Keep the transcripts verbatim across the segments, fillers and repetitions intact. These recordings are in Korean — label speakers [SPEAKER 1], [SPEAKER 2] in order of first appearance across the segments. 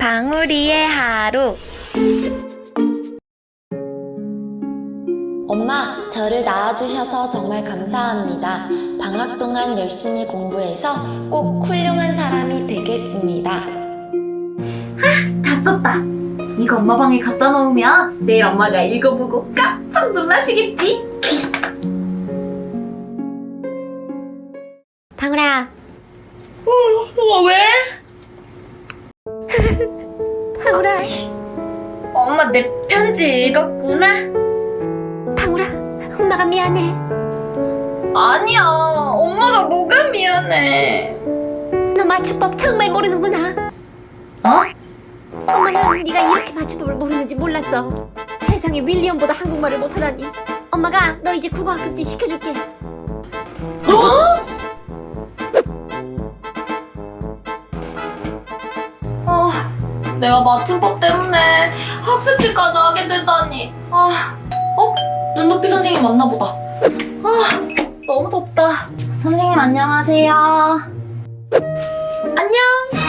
[SPEAKER 1] 방울이의 하루. 엄마, 저를 낳아주셔서 정말 감사합니다. 방학 동안 열심히 공부해서 꼭 훌륭한 사람이 되겠습니다.
[SPEAKER 2] 다 썼다. 이거 엄마 방에 갖다 놓으면 내일 엄마가 읽어보고 깜짝 놀라시겠지?
[SPEAKER 1] 방울아.
[SPEAKER 2] 어, 왜?
[SPEAKER 1] 방울아.
[SPEAKER 2] 엄마 내 편지 읽었구나?
[SPEAKER 1] 방울아, 엄마가 미안해.
[SPEAKER 2] 아니야, 엄마가 뭐가 미안해.
[SPEAKER 1] 너 맞춤법 정말 모르는구나.
[SPEAKER 2] 어?
[SPEAKER 1] 엄마는 네가 이렇게 맞춤법을 모르는지 몰랐어. 세상에 윌리엄보다 한국말을 못하다니. 엄마가 너 이제 국어 학습지 시켜줄게.
[SPEAKER 2] 어? 아, 내가 맞춤법 때문에 학습지까지 하게 되다니. 아, 어? 눈높이 선생님 맞나 보다. 아, 너무 덥다. 선생님 안녕하세요. 안녕.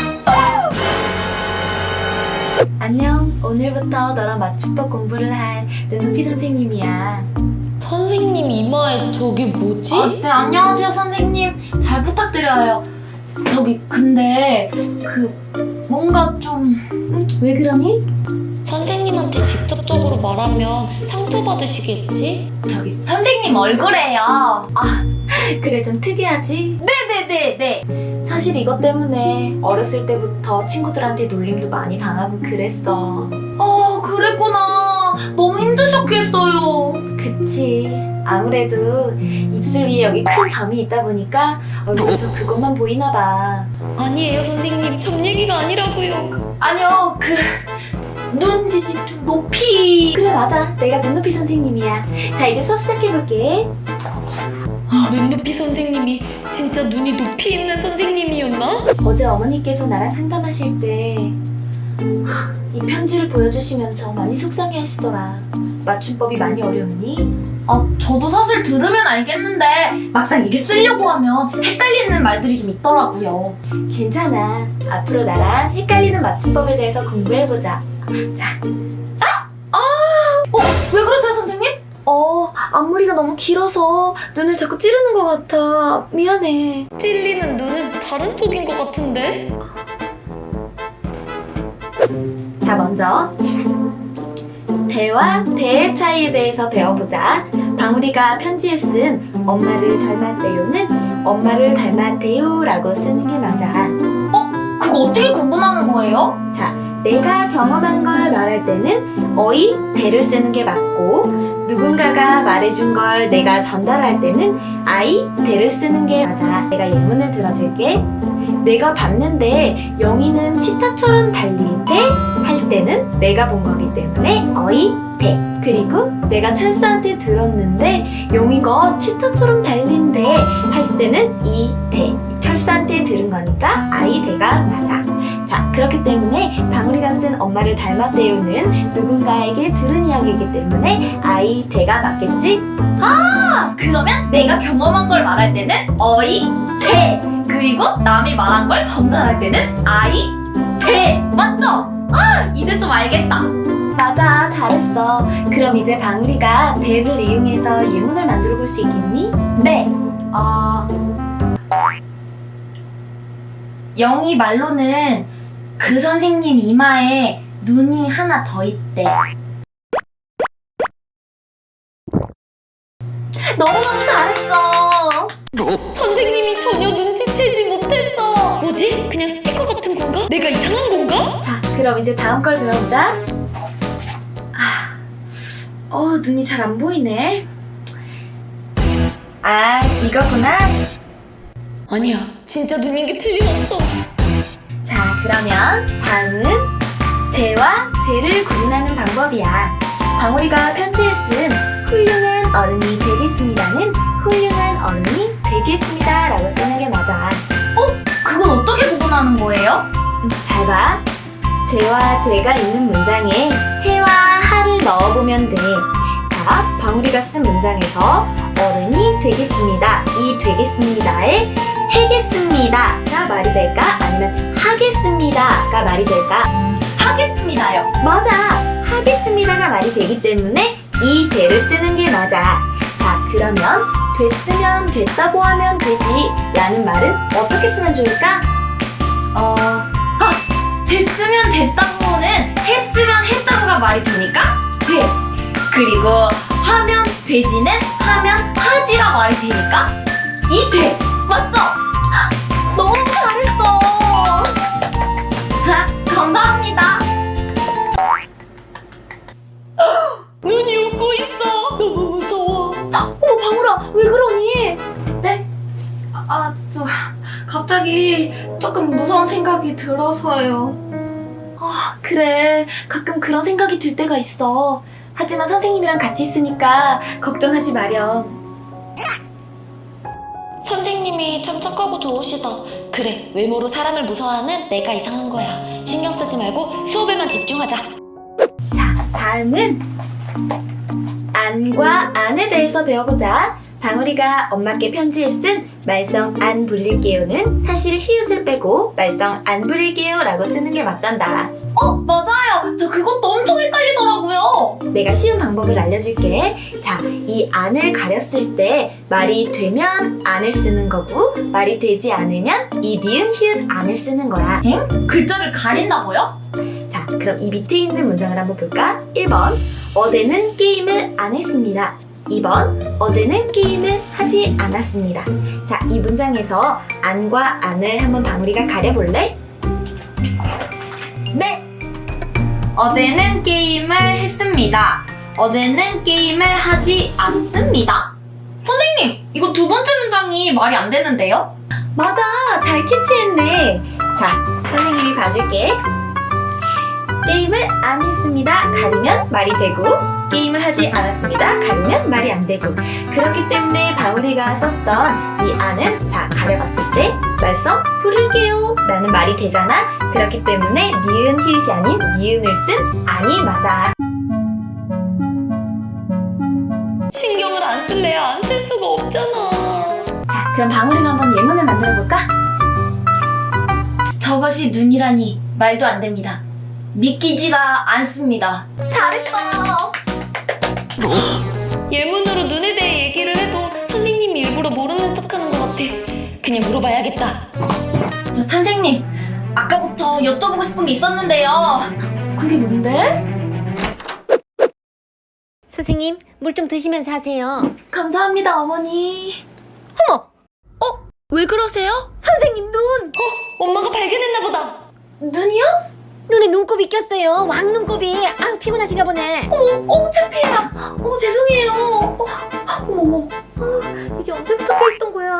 [SPEAKER 2] 안녕. 오늘부터 너랑 맞춤법 공부를 할 눈높이 선생님이야.
[SPEAKER 1] 선생님 이마에 저게 뭐지?
[SPEAKER 2] 아, 네, 안녕하세요 선생님. 잘 부탁드려요. 저기 근데 그 뭔가 좀 왜 그러니?
[SPEAKER 1] 선생님한테 직접적으로 말하면 상처받으시겠지?
[SPEAKER 2] 저기 선생님 얼굴에요. 아, 그래 좀 특이하지? 네네네네. 사실 이것 때문에 어렸을 때부터 친구들한테 놀림도 많이 당하고 그랬어. 아, 그랬구나. 너무 힘드셨겠어요. 그치. 아무래도 입술 위에 여기 큰 점이 있다 보니까 얼굴에서 그것만 보이나 봐.
[SPEAKER 1] 아니에요 선생님, 점 얘기가 아니라고요.
[SPEAKER 2] 아니요, 그 눈지지 좀 높이. 그래 맞아, 내가 눈높이 선생님이야. 자, 이제 수업 시작해볼게.
[SPEAKER 1] 눈높이 선생님이 진짜 눈이 높이 있는 선생님이었나?
[SPEAKER 2] 어제 어머니께서 나랑 상담하실 때 이 편지를 보여주시면서 많이 속상해 하시더라. 맞춤법이 많이 어려우니? 아, 저도 사실 들으면 알겠는데 막상 이게 쓰려고 하면 헷갈리는 말들이 좀 있더라고요. 괜찮아. 앞으로 나랑 헷갈리는 맞춤법에 대해서 공부해보자. 자. 아! 아! 어, 왜 그러세요, 선생님? 어, 앞머리가 너무 길어서 눈을 자꾸 찌르는 것 같아. 미안해.
[SPEAKER 1] 찔리는 눈은 다른 쪽인 것 같은데?
[SPEAKER 2] 자, 먼저 대와 대의 차이에 대해서 배워보자. 방울이가 편지에 쓴 엄마를 닮았대요는 엄마를 닮았대요라고 쓰는 게 맞아. 어? 그거 어떻게 구분하는 거예요? 자, 내가 경험한 걸 말할 때는 어이, 대를 쓰는 게 맞고 누군가가 말해준 걸 내가 전달할 때는 아이, 대를 쓰는 게 맞아. 내가 예문을 들어줄게. 내가 봤는데 영희는 치타처럼 달릴 때 할 때는 내가 본 거기 때문에 어이, 대. 그리고 내가 철수한테 들었는데 영희가 치타처럼 달린대 할 때는 이, 대. 철수한테 들은 거니까 아이, 대가 맞아. 자, 그렇기 때문에 방울이가 쓴 엄마를 닮았대요는 누군가에게 들은 이야기이기 때문에 아이, 대가 맞겠지? 아! 그러면 내가 경험한 걸 말할 때는 어이, 대. 그리고 남이 말한 걸 전달할 때는 아이, 대. 맞죠? 아, 이제 좀 알겠다. 맞아, 잘했어. 그럼 이제 방울이가 대를 이용해서 예문을 만들어 볼 수 있겠니? 네. 어... 영희 말로는 그 선생님 이마에 눈이 하나 더 있대. 너무너무 잘했어.
[SPEAKER 1] 선생님이 전혀 눈치채지 못했어. 뭐지? 그냥 스티커 같은 건가? 내가 이상한 건가?
[SPEAKER 2] 자, 그럼 이제 다음 걸 들어보자. 아, 어, 눈이 잘 안 보이네. 아, 이거구나.
[SPEAKER 1] 아니야, 진짜 눈인 게 틀림없어.
[SPEAKER 2] 자, 그러면 다음은 죄와 죄를 구분하는 방법이야. 방울이가 편지에 쓴 훌륭한 어른이 되겠습니다는 훌륭한 어른이 되겠습니다 라고 쓰는 게 맞아. 어? 그건 어떻게 구분하는 거예요? 음, 잘 봐. 죄와 죄가 있는 문장에 해와 하를 넣어보면 돼. 자, 방울이가 쓴 문장에서 어른이 되겠습니다. 이 되겠습니다에 해겠습니다가 말이 될까? 아니면 하겠습니다가 말이 될까? 맞아. 하겠습니다가 말이 되기 때문에 이 대를 쓰는 게 맞아. 자, 그러면 됐으면 됐다고 하면 되지 라는 말은 어떻게 쓰면 좋을까? 어... 아! 됐으면 됐다고는 했으면 했다고가 말이 되니까 돼. 그리고 하면 되지는 하면 하지가 말이 되니까 이 돼. 맞죠? 너무 잘했어. 감사합니다.
[SPEAKER 1] 눈이 웃고 있어. 너무 무서워.
[SPEAKER 2] 어머, 방울아, 왜 그러니? 네? 아, 아, 저 갑자기 조금 무서운 생각이 들어서요. 아, 그래. 가끔 그런 생각이 들 때가 있어. 하지만 선생님이랑 같이 있으니까 걱정하지 마렴.
[SPEAKER 1] 선생님이 참 착하고 좋으시다. 그래, 외모로 사람을 무서워하는 내가 이상한 거야. 신경 쓰지 말고 수업에만 집중하자.
[SPEAKER 2] 자, 다음은 안과 안에 대해서 배워보자. 방울이가 엄마께 편지에 쓴 말썽 안 부릴게요는 사실 히읗을 빼고 말썽 안 부릴게요 라고 쓰는 게 맞단다.
[SPEAKER 3] 어, 맞아요. 저 그것도 엄청 헷갈리더라고요.
[SPEAKER 2] 내가 쉬운 방법을 알려줄게. 자, 이 안을 가렸을 때 말이 되면 안을 쓰는 거고 말이 되지 않으면 이 니은 히읗 안을 쓰는 거야.
[SPEAKER 3] 엥? 글자를 가린다고요?
[SPEAKER 2] 자, 그럼 이 밑에 있는 문장을 한번 볼까? 일 번 어제는 게임을 안 했습니다. 이 번 어제는 게임을 하지 않았습니다. 자, 이 문장에서 안과 안을 한번 방울이가 가려볼래?
[SPEAKER 3] 네. 어제는 게임을 했습니다. 어제는 게임을 하지 않습니다. 선생님, 이거 두 번째 문장이 말이 안 되는데요?
[SPEAKER 2] 맞아, 잘 캐치했네. 자, 선생님이 봐줄게. 게임을 안 했습니다. 가리면 말이 되고 게임을 하지 않았습니다. 가리면 말이 안 되고 그렇기 때문에 방울이가 썼던 이 안은 자, 가려봤을 때 말썽 부릴게요 라는 말이 되잖아. 그렇기 때문에 니은 히읗이 아닌 니은을 쓴 안이 맞아.
[SPEAKER 1] 신경을 안 쓸래야 안 쓸 수가 없잖아.
[SPEAKER 2] 자, 그럼 방울이가 한번 예문을 만들어 볼까?
[SPEAKER 3] 저것이 눈이라니 말도 안 됩니다. 믿기지가 않습니다.
[SPEAKER 2] 잘했어.
[SPEAKER 1] 예문으로 눈에 대해 얘기를 해도 선생님이 일부러 모르는 척하는 것 같아. 그냥 물어봐야겠다.
[SPEAKER 3] 저 선생님, 아까부터 여쭤보고 싶은 게 있었는데요.
[SPEAKER 2] 그게 뭔데?
[SPEAKER 4] 선생님, 물 좀 드시면서 하세요.
[SPEAKER 2] 감사합니다, 어머니.
[SPEAKER 1] 왜 그러세요?
[SPEAKER 4] 선생님, 눈!
[SPEAKER 1] 엄마가 발견했나 보다.
[SPEAKER 2] 눈이요?
[SPEAKER 4] 눈에 눈곱이 꼈어요. 왕눈곱이. 아우, 피곤하신가 보네.
[SPEAKER 2] 어머, 창피해라. 어머, 죄송해요. 어, 어머, 어머. 어, 이게 언제부터 껴있던 거야?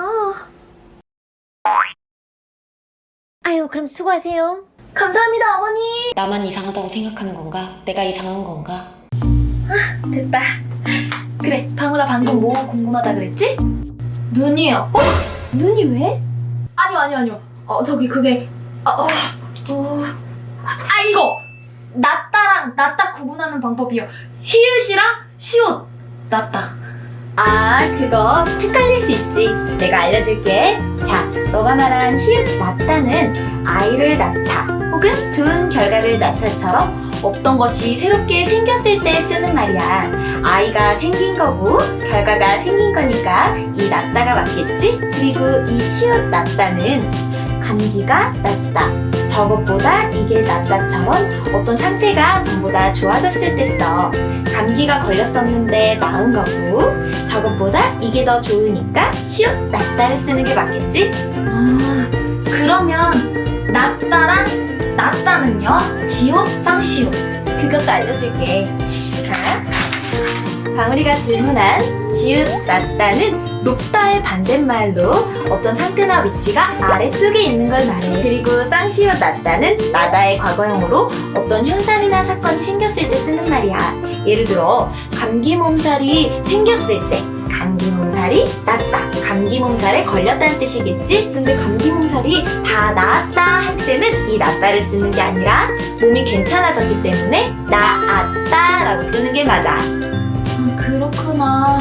[SPEAKER 4] 아유, 그럼 수고하세요.
[SPEAKER 2] 감사합니다, 어머니.
[SPEAKER 1] 나만 이상하다고 생각하는 건가? 내가 이상한 건가?
[SPEAKER 2] 됐다. 그래, 방울아 방금 뭐 궁금하다 그랬지?
[SPEAKER 3] 눈이요.
[SPEAKER 2] 어? 눈이 왜?
[SPEAKER 3] 아니요, 아니요, 아니요. 어, 저기 그게 어, 어, 어. 아, 이거! 낫다랑 낫다 구분하는 방법이요. 히읗이랑 시옷. 낫다.
[SPEAKER 2] 아, 그거 헷갈릴 수 있지. 내가 알려줄게. 자, 너가 말한 히읗 낳다는 아이를 낳다 혹은 좋은 결과를 낳다처럼 없던 것이 새롭게 생겼을 때 쓰는 말이야. 아이가 생긴 거고 결과가 생긴 거니까 이 낳다가 맞겠지? 그리고 이 시옷 낳다는 감기가 낫다. 저것보다 이게 낫다처럼 어떤 상태가 전보다 좋아졌을 때 써. 감기가 걸렸었는데 나은 거고 저것보다 이게 더 좋으니까 시옷 낫다를 쓰는 게 맞겠지?
[SPEAKER 3] 아, 그러면 낫다랑 낫다는요? 지옷, 쌍시옷.
[SPEAKER 2] 그것도 알려줄게. 자, 방울이가 질문한 지읒 낮다는 높다의 반대말로 어떤 상태나 위치가 아래쪽에 있는 걸 말해. 그리고 쌍시읒 낮다는 나다의 과거형으로 어떤 현상이나 사건이 생겼을 때 쓰는 말이야. 예를 들어 감기 몸살이 생겼을 때 감기 몸살이 낫다. 감기 몸살에 걸렸다는 뜻이겠지? 근데 감기 몸살이 다 나았다 할 때는 이 낫다를 쓰는 게 아니라 몸이 괜찮아졌기 때문에 나았다 라고 쓰는 게 맞아.
[SPEAKER 3] 아, 그렇구나.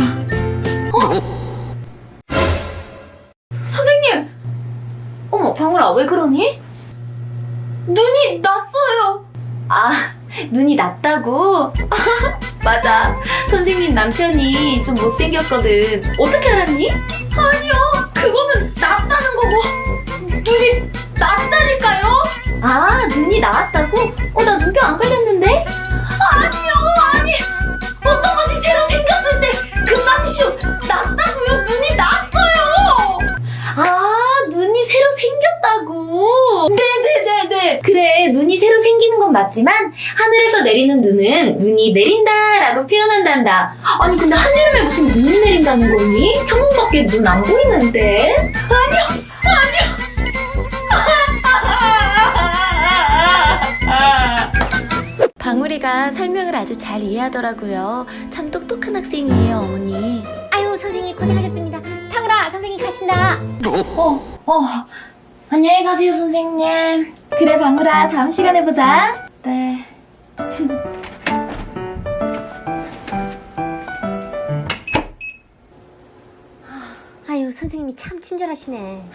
[SPEAKER 2] 선생님! 어머, 방울아, 왜 그러니?
[SPEAKER 3] 눈이 났어요.
[SPEAKER 2] 아, 눈이 낮다고? 맞아. 선생님 남편이 좀 못생겼거든. 어떻게 알았니?
[SPEAKER 3] 아니요, 그거는 낮다는 거고 눈이 낮다니까요?
[SPEAKER 2] 아, 눈이 나왔다고? 어, 나 눈병 안 걸렸는데?
[SPEAKER 3] 아니요, 아니. 어떤 것이 새로 생겼을 때 금방 시옷 낮다고요? 눈이 낮어요.
[SPEAKER 2] 아, 눈이 새로 생겼다고? 네네네네. 그래, 눈이 새로 생기는 건 맞지만 하늘에서 내리는 눈은 눈이 내린다라고 표현한단다. 아니, 근데 하늘에 무슨 눈이 내린다는 거니? 창문밖에 눈 안 보이는데?
[SPEAKER 1] 방울이가 설명을 아주 잘 이해하더라고요. 참 똑똑한 학생이에요, 어머니.
[SPEAKER 4] 아유 선생님 고생하셨습니다. 방울아 선생님 가신다.
[SPEAKER 2] 어, 어. 안녕히 가세요, 선생님. 그래, 방울아, 다음 시간에 보자. 네.
[SPEAKER 4] 아유 선생님이 참 친절하시네.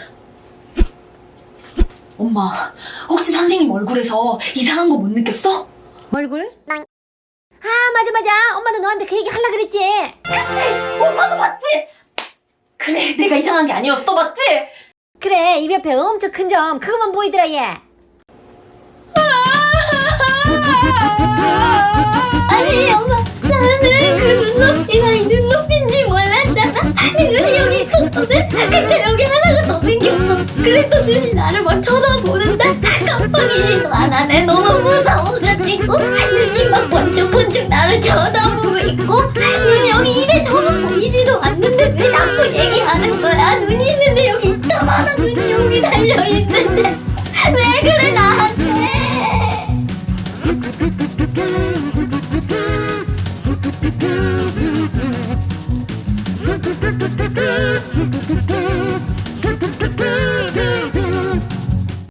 [SPEAKER 3] 엄마, 혹시 선생님 얼굴에서 이상한 거 못 느꼈어?
[SPEAKER 4] 얼굴? 아 맞아 맞아. 엄마도 너한테 그 얘기 하려 그랬지.
[SPEAKER 3] 엄마도 봤지? 그래, 내가 이상한 게 아니었어, 맞지?
[SPEAKER 4] 그래 입 옆에 엄청 큰 점 그거만 보이더라 얘.
[SPEAKER 2] 아니, 엄마, 나는 그 눈높이가 이 눈높이인지 몰랐잖아. 내 눈이 여기 있었거든? 근데 여기 하나가 더 생겼어. 그래도 눈이 나를 막 쳐다보는데 깜빡이지도 않아. 내 너무 무서워가지고 눈이 막 번쩍번쩍 나를 쳐다보고 있고 눈이 여기 입에 저는 보이지도 않는데 왜 자꾸 얘기하는 거야? 눈이 있는데 여기 있다마자 눈이 여기 달려있는데 왜 그래 나한테?
[SPEAKER 4] Thank you.